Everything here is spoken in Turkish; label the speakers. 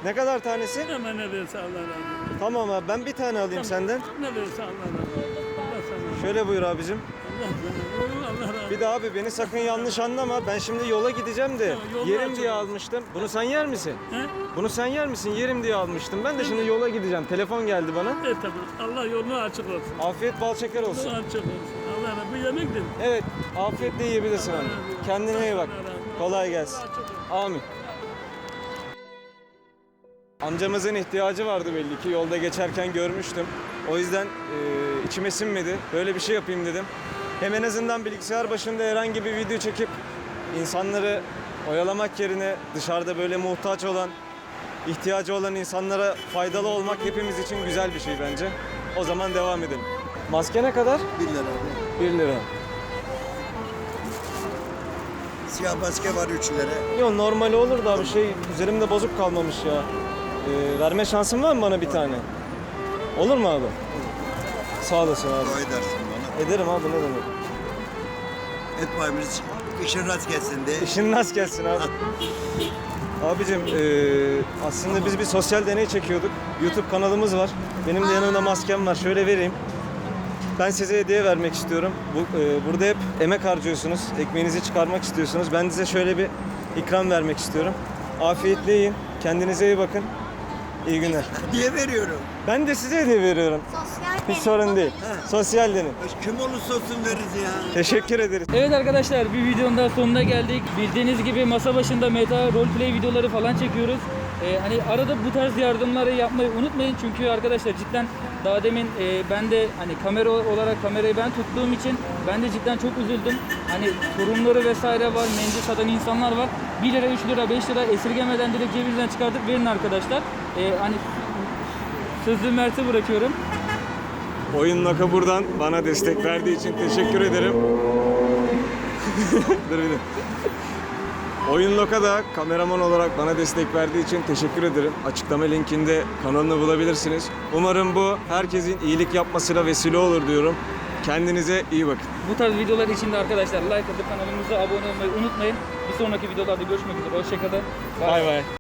Speaker 1: Ne kadar tanesi?
Speaker 2: Hemen ne verirse Allah razı olsun.
Speaker 1: Tamam abi, ben bir tane alayım senden.
Speaker 2: Ne verirse Allah razı olsun. Allah sana.
Speaker 1: Şöyle buyur abicim.
Speaker 2: Allah sana. Allah razı olsun.
Speaker 1: Bir de abi beni sakın yanlış anlama. Ben şimdi yola gideceğim de
Speaker 2: Yollar
Speaker 1: yerim
Speaker 2: açık
Speaker 1: diye
Speaker 2: olsun.
Speaker 1: almıştım. Bunu sen yer misin?
Speaker 2: He?
Speaker 1: Bunu sen yer misin? Yerim diye almıştım. Ben de şimdi yola gideceğim. Telefon geldi bana.
Speaker 2: Tamam. Allah yolunu açık olsun.
Speaker 1: Afiyet bal şeker olsun.
Speaker 2: Yolunu açık olsun. Allah razı olsun. Bu yemektir.
Speaker 1: Evet, afiyetle yiyebilirsin abi. Kendine iyi bak. Kolay gelsin. Amin. Amcamızın ihtiyacı vardı belli ki. Yolda geçerken görmüştüm. O yüzden içime sinmedi. Böyle bir şey yapayım dedim. Hem en azından bilgisayar başında herhangi bir video çekip insanları oyalamak yerine dışarıda böyle muhtaç olan, ihtiyacı olan insanlara faydalı olmak hepimiz için güzel bir şey bence. O zaman devam edelim. Maske ne kadar?
Speaker 3: 1 lira.
Speaker 1: 1 lira.
Speaker 3: Siyah maske var 3 lira.
Speaker 1: Yok normali olur da bir şey üzerimde bozuk kalmamış ya. Verme şansın var mı bana bir tane? Olur mu abi? Sağ olasın abi.
Speaker 3: Dua edersin bana.
Speaker 1: Ederim abi, ne demek.
Speaker 3: Etmemiz işin rast gelsin diye.
Speaker 1: İşin nasıl gelsin abi? Abicim aslında biz bir sosyal deney çekiyorduk. YouTube kanalımız var. Benim de yanımda maskem var. Şöyle vereyim. Ben size hediye vermek istiyorum. Burada hep emek harcıyorsunuz. Ekmeğinizi çıkarmak istiyorsunuz. Ben size şöyle bir ikram vermek istiyorum. Afiyetle yiyin. Kendinize iyi bakın. İyi günler.
Speaker 3: Diye veriyorum.
Speaker 1: Ben de size hediye veriyorum. Hiç sorun değil. Sosyal deney.
Speaker 3: Kim olursa olsun veririz ya.
Speaker 1: Teşekkür ederiz.
Speaker 4: Evet arkadaşlar, bir videonun daha sonuna geldik. Bildiğiniz gibi masa başında meta roleplay videoları falan çekiyoruz. Hani arada bu tarz yardımları yapmayı unutmayın çünkü arkadaşlar cidden daha demin ben de hani kamera olarak kamerayı ben tuttuğum için ben de cidden çok üzüldüm. Hani sorunları vesaire var, mendil satan insanlar var. 1 lira, 3 lira, 5 lira esirgemeden direkt cebinizden çıkartıp verin arkadaşlar. Hani sözü Mert'e bırakıyorum.
Speaker 1: Oyun Naka buradan bana destek verdiği için teşekkür ederim. Dur bir de. Oyun Loka da kameraman olarak bana destek verdiği için teşekkür ederim. Açıklama linkinde kanalını bulabilirsiniz. Umarım bu herkesin iyilik yapmasına vesile olur diyorum. Kendinize iyi bakın.
Speaker 4: Bu tarz videolar için de arkadaşlar like atıp kanalımıza abone olmayı unutmayın. Bir sonraki videolarda görüşmek üzere. Hoşçakalın.
Speaker 1: Bay bay.